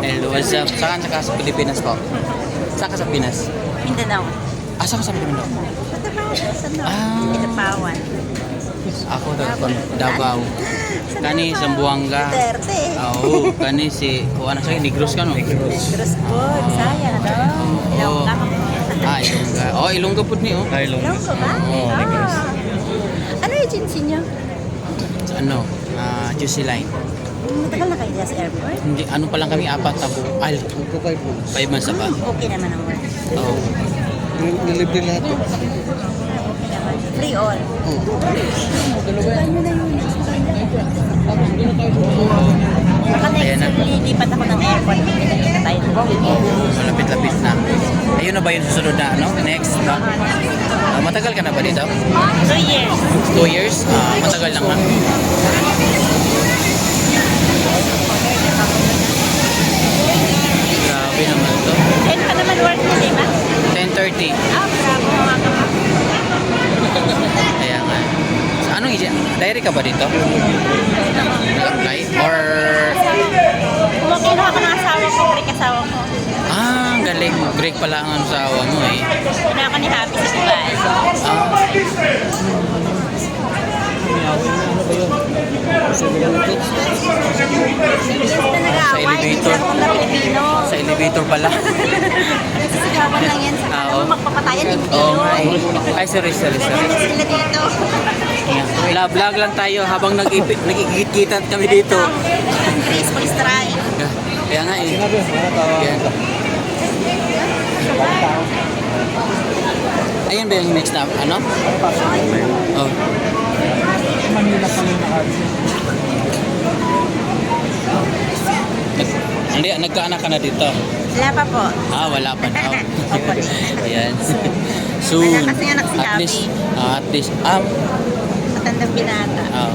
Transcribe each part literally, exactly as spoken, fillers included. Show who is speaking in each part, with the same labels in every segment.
Speaker 1: Hello, what's up? Saan ka sa Pilipinas po? Saan ka sa Pinas?
Speaker 2: Mindanao.
Speaker 1: Ah, saan ka sa Mindanao?
Speaker 2: Sa North.
Speaker 1: Ah.
Speaker 2: Pinapawan.
Speaker 1: Ako taga Davao. Kani sa Buanga.
Speaker 2: Duterte.
Speaker 1: Oo, kani si kuha na sa Negros ka no?
Speaker 2: Negros good. Sayang, no?
Speaker 1: Oo.
Speaker 2: Ilongga ka mo.
Speaker 1: Ah, Ilongga. Oh, Ilongga pud ni oh.
Speaker 3: Ah, Ilongga.
Speaker 2: Ilongga ba?
Speaker 1: Oo, Negros.
Speaker 2: Ah. Ano agency niyo?
Speaker 1: Sa ano? Ah, Juicy Line.
Speaker 2: Matagal na kayo dyan sa airport?
Speaker 1: Hindi, ano pa lang kami apat tabo. Ay, five months na pa.
Speaker 2: Okay naman ang work.
Speaker 1: Oo.
Speaker 3: Nilibre lahat.
Speaker 2: Okay naman. Free all. Baka
Speaker 1: Ayan
Speaker 2: next
Speaker 1: na.
Speaker 2: year, lilipat ako ng airport. Pinagkita tayo ng
Speaker 1: Malapit-lapit na. Ayun na ba yung susunod na ano? Next, no? Ah, matagal ka na ba dito?
Speaker 2: Two years.
Speaker 1: Two years? Ah, matagal lang na. Grabe naman to.
Speaker 2: And pa naman work mo, di ba?
Speaker 1: ten thirty.
Speaker 2: Ah, bravo mga kapatid.
Speaker 1: Kaya nga. So, anong isi? Diary ka ba dito? Live? Or...
Speaker 2: Kumakino ako ng asawa ko, break asawa ko.
Speaker 1: Ah, galing. Break pala ang asawa mo eh.
Speaker 2: Una ako ni Happy sa Dubai.
Speaker 1: Ah,
Speaker 2: Sa
Speaker 1: elevator.
Speaker 2: Sa Pilipino.
Speaker 1: sa elevator pala.
Speaker 2: Sisigawan lang yan. Sa
Speaker 1: Ah,
Speaker 2: alam
Speaker 1: oo.
Speaker 2: mo, magpapatayan, hindi
Speaker 1: Oo
Speaker 2: yun.
Speaker 1: nga eh. Ay, sorry, sorry, sorry.
Speaker 2: Ganyan sila dito.
Speaker 1: Yeah. Vlog lang tayo habang nagigit-gitan kami dito.
Speaker 2: Graceful strike.
Speaker 1: Kaya nga eh. Yan. Ayun ba yung next na, ano? Oh. Nag- Hindi, nagkaanak ka na dito.
Speaker 2: Wala pa po.
Speaker 1: Ah, wala pa na. Ayan. Soon.
Speaker 2: Wala kasi anak si
Speaker 1: At
Speaker 2: Happy.
Speaker 1: least, ah, at least, um,
Speaker 2: Matandang binata.
Speaker 1: ah.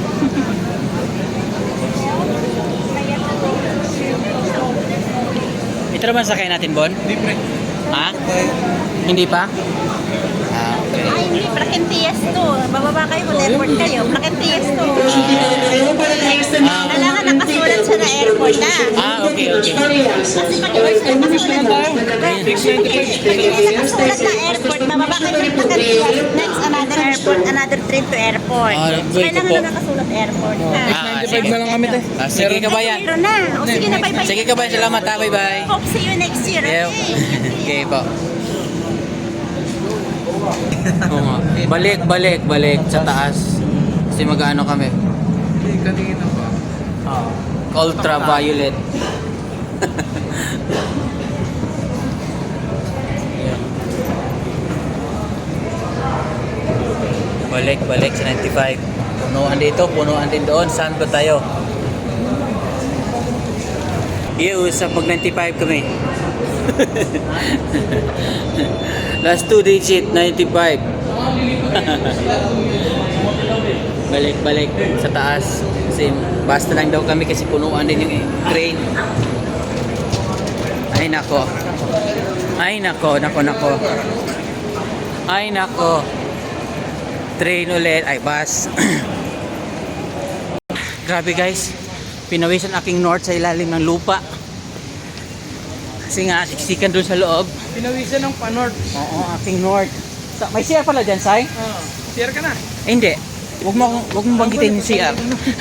Speaker 1: Ito naman sakay natin, Bon?
Speaker 3: Libre.
Speaker 1: Ha? Hindi pa? Ah, okay.
Speaker 2: Ay, hindi. Prakentias to. Bababa kayo kung airport kayo. Prakentias to.
Speaker 1: Ah,
Speaker 2: Kailangan nakasulat siya na airport na.
Speaker 1: ah, okay, okay.
Speaker 2: Kasi pag nakasulat na nakasulat na airport, bababa kayo ng Prakentias. Next, another airport, another trip to airport.
Speaker 1: Ah,
Speaker 2: So,
Speaker 1: wait
Speaker 2: kailangan
Speaker 1: po.
Speaker 2: na nakasulat airport.
Speaker 1: Ah, ah,
Speaker 3: ninety-five
Speaker 1: sige.
Speaker 3: na lang kami, te.
Speaker 1: Ah, sige kabayan.
Speaker 2: Meron na. O sige na, bye-bye.
Speaker 1: Sige kabayan, salamat ha, bye-bye.
Speaker 2: Hope see you next year.
Speaker 1: Yeah.
Speaker 2: Okay?
Speaker 1: Okay po. Oo nga. Balik, balik, balik sa taas. Kasi mag-ano kami.
Speaker 3: Kanina pa.
Speaker 1: Ultraviolet. Balik, balik sa ninety-five. Punuan dito, punuan din doon. Saan ba tayo? Iyo, sa pag ninety-five kami. Last two digit, ninety-five. Balik, balik sa taas. Kasi basta lang daw kami kasi punuan din yung train. Ay nako. Ay nako, nako, nako. Ay nako. Train ulit, ay bus. Grabe guys. Pinawisan aking north sa ilalim ng lupa. Kasi nga, siksikan doon sa loob.
Speaker 3: Pinawisan ng panort.
Speaker 1: Oo, aking north. Sa, may C R pala dyan, Sai?
Speaker 3: Ah, share ka na.
Speaker 1: Eh, hindi. Huwag mo, huwag mo banggitin yung C R.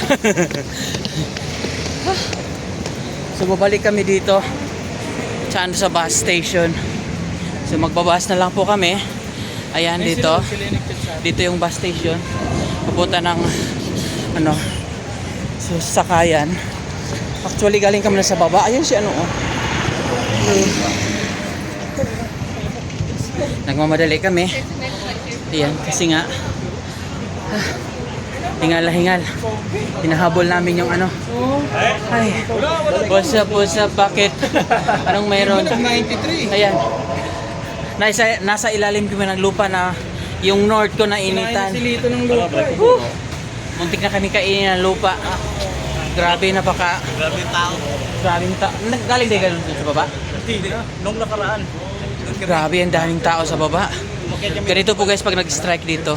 Speaker 1: So, babalik kami dito. Saan sa bus station. So, magbabas na lang po kami. Ayan, dito. Dito yung bus station. Papunta ng, ano, so, sakayan. Actually, galing kami na sa baba. Ayan si ano, oh. Nagmamadali kami. Ayan, kasi nga ah, hingal na hingal. Hinahabol namin yung ano. Ay, what's up, what's up, bakit? Anong mayroon?
Speaker 3: ninety-three.
Speaker 1: Ayan. Nasa, nasa ilalim kami ng lupa na yung north ko na initan.
Speaker 3: Silito ng lupa.
Speaker 1: Woo! Muntik na kami kainin ng lupa. Ah, grabe, napaka...
Speaker 3: Grabe tao.
Speaker 1: Grabing tao. Galing din ganun sa baba?
Speaker 3: Hindi. Nung nakaraan.
Speaker 1: Grabe, ang daming tao sa baba. Ganito po guys pag nag-strike dito.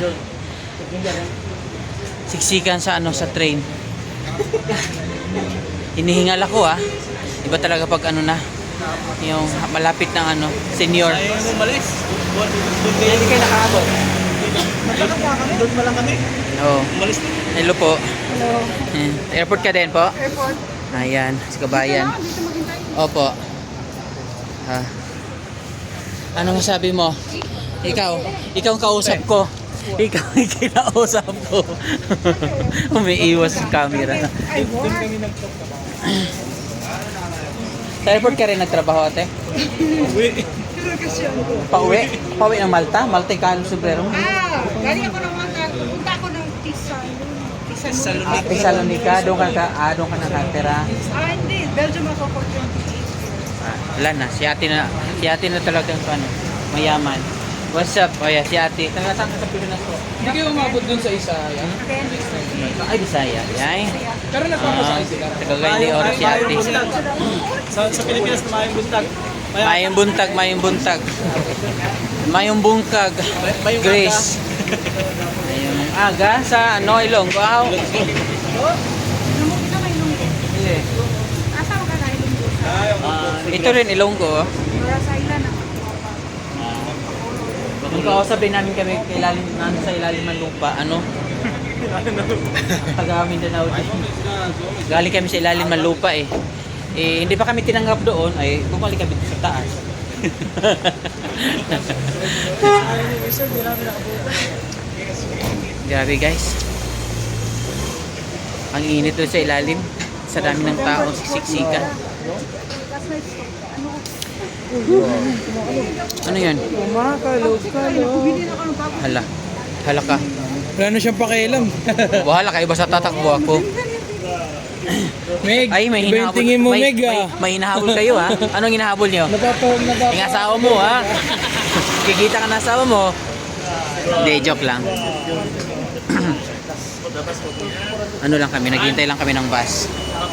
Speaker 1: Siksikan sa ano sa train. Hinihingal ako ah. Iba talaga pag ano na, yung malapit ng ano, senior.
Speaker 3: Ay, umalis. Doon doon kayo. Hindi kayo nakaabot. Nagkakapa kami. Doon pa lang kami.
Speaker 1: Oo.
Speaker 3: Umalis na.
Speaker 1: Hello po. Hello. Airport ka din po? Airport. Ayan, sa kabayan. Opo. Ha. Ano masabi mo? Ikaw, ikaw ang kausap ko. Ikaw ang kinausap ko. Umiiwas sa camera.
Speaker 3: Doon kami nagkakapa.
Speaker 1: Sa airport ka rin nagtrabaho, ate?
Speaker 3: Uwi.
Speaker 1: Pauwi? Pauwi ng Malta? Malta ka sobrero?
Speaker 4: Ah, galing ako ng Malta. Punta ako ng Tisan. Tisan.
Speaker 1: Ah, Thessalonica, doon ka, ka ah, doon ka nakatira.
Speaker 4: Ah, hindi. Belgium ako for twenty-eight years.
Speaker 1: Ah, wala na, si ate na, si ate na talagang ano, mayaman. What's up? O yeah, si ate. Taga saan ka sa Pilipinas po?
Speaker 5: Hindi kayo umabot dun sa isa. Yan.
Speaker 1: Ay, Bisaya. Ay.
Speaker 5: Pero nagpapasakay sila.
Speaker 1: Tagagay ni Oro si ate.
Speaker 3: Sa, sa Pilipinas na mayang buntag.
Speaker 1: Mayong buntag, mayong buntag. Mayong bungkag. Grace. Ayun. Aga sa ano, Ilonggo. Wow.
Speaker 4: Lumog na may lunggo.
Speaker 1: Sige.
Speaker 4: Asa ka na ilunggo?
Speaker 1: Ah, ito rin Ilonggo. oh.
Speaker 4: Para sa ilan na.
Speaker 1: Kung kausapin namin kami kay ilalim, nando sa ilalim ng lupa, ano? Taga Mindanao din. Galing kami sa ilalim ng lupa eh. Eh, hindi pa kami tinanggap doon, ay bumalik kami sa taas. Grabe guys. Ang init doon sa ilalim. Sa dami ng tao, siksikan. Ano yan? Hala. Hala ka.
Speaker 5: Wala na siyang pakialam.
Speaker 1: Bahala kayo basta tatakbo ako.
Speaker 5: Meg,
Speaker 1: Ay, may
Speaker 5: iba yung
Speaker 1: hinahabol.
Speaker 5: tingin mo,
Speaker 1: may,
Speaker 5: Meg
Speaker 1: may,
Speaker 5: ah.
Speaker 1: may hinahabol kayo ha. Anong hinahabol niyo?
Speaker 5: Napapawag, napapawag.
Speaker 1: Yung asawa mo ha. Kikita ka na asawa mo. Hindi, joke lang. Ano lang kami, naghihintay lang kami ng bus.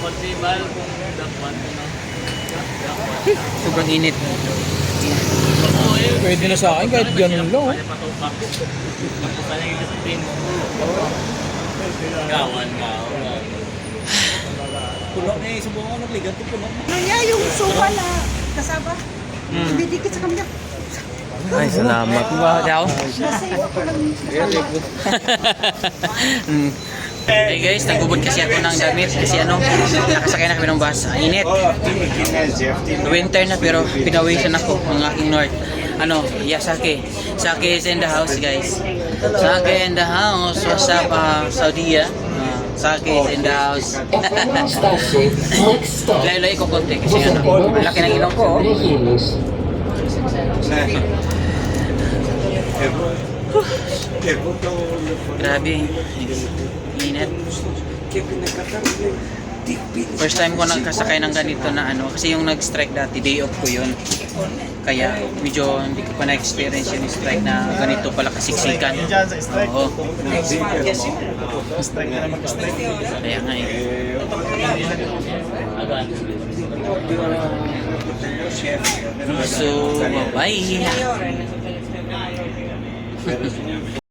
Speaker 1: Sobrang init.
Speaker 5: Pwede na sa akin kahit ganun lang. Oh.
Speaker 3: Gawan nga. Puno na eh. Subukan ko nagligan ito puno.
Speaker 4: Ano niya yung suwa na kasaba?
Speaker 1: Mm.
Speaker 4: Didikit sa kamya.
Speaker 1: Ay, salamat. Daw.
Speaker 4: Nasave ako ng kasaba.
Speaker 1: Mm. Hey guys, nagbubot kasi ako ng damit kasi ano, nakasakay na kami ng bus. Ang init. Winter na pero pinawisan ako ng aking north. Ano, Yasake. Sake is in the house guys. Sake in the house. What's up, uh, Saudi? Uh, Sake is in the house. Layo-layo ko konti kasi ano, ang laki ng ilong ko. Oh. Grabe. Init. First time ko nagkasakay ng ganito na ano, kasi yung nag-strike dati, day off ko yun. Kaya medyo hindi ko pa na-experience yung strike na ganito pala kasiksikan.
Speaker 3: Diyan sa strike.
Speaker 1: Oo.
Speaker 3: Strike na naman strike.
Speaker 1: Kaya nga eh. So, bye-bye.